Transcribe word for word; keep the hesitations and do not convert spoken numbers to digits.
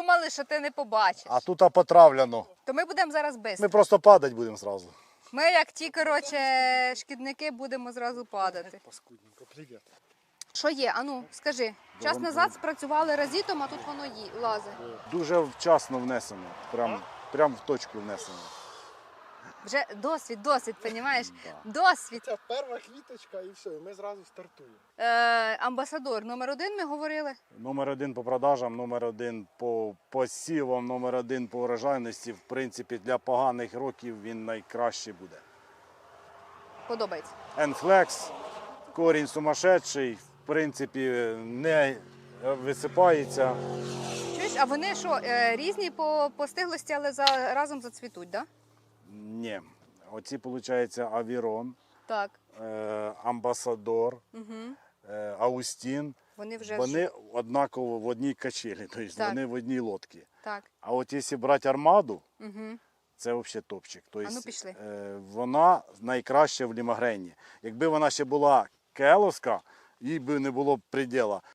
думали, що ти не побачиш. А тут а потравлено. То ми будемо зараз без. Ми просто падати будемо зразу. Ми, як ті, коротше, шкідники, будемо зразу падати. Паскудненько, привіт. Що є? Ану, скажи. Час назад спрацювали разітом, а тут воно ї... лазить. Дуже вчасно внесено. Прям, прям в точку внесено. Вже досвід, досвід, розумієш? Да. Досвід. Це перша квіточка і все, і ми зразу стартуємо. Е, амбасадор номер один ми говорили. Номер один по продажам, номер один по посівам, номер один по урожайності. В принципі, для поганих років він найкращий буде. Подобається. Енфлекс, корінь сумасшедший, в принципі, не висипається. Чуєш, а вони що, е, різні по, по стиглості, але за, разом зацвітуть, так? Да? Ні. Оці, виходить, Авірон, Так. е, Амбасадор, Угу. е, Аустін. Вони вже Вони ж- однаково в одній качелі, тобто Так. вони в одній лодці. Так. А от якщо брати армаду, Угу. це взагалі топчик. Тобто, А ну, пішли. е, вона найкраща в лімагрені. Якби вона ще була келовська, їй би не було б приділа.